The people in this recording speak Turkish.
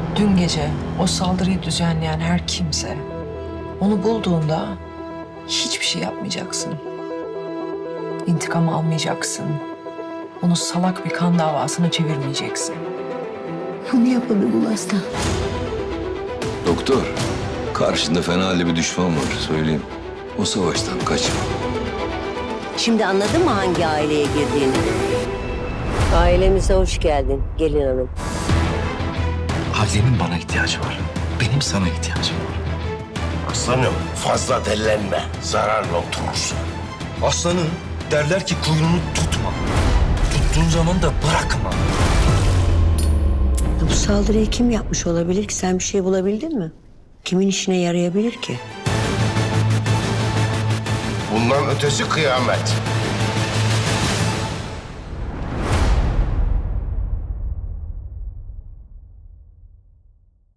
Dün gece o saldırıyı düzenleyen her kimse onu bulduğunda hiçbir şey yapmayacaksın. İntikam almayacaksın. Onu salak bir kan davasına çevirmeyeceksin. Bunu yapabilir aslan. Doktor, karşında fena halde bir düşman var söyleyeyim. O savaştan kaçma. Şimdi anladın mı hangi aileye girdiğini? Ailemize hoş geldin gelin hanım. Ailemin bana ihtiyacı var. Benim sana ihtiyacım var. Aslanım fazla dellenme. Zararla oturursun. Aslanın derler ki kuyruğunu tutma. Tuttuğun zaman da bırakma. Bu saldırıyı kim yapmış olabilir ki? Sen bir şey bulabildin mi? Kimin işine yarayabilir ki? Bundan ötesi kıyamet.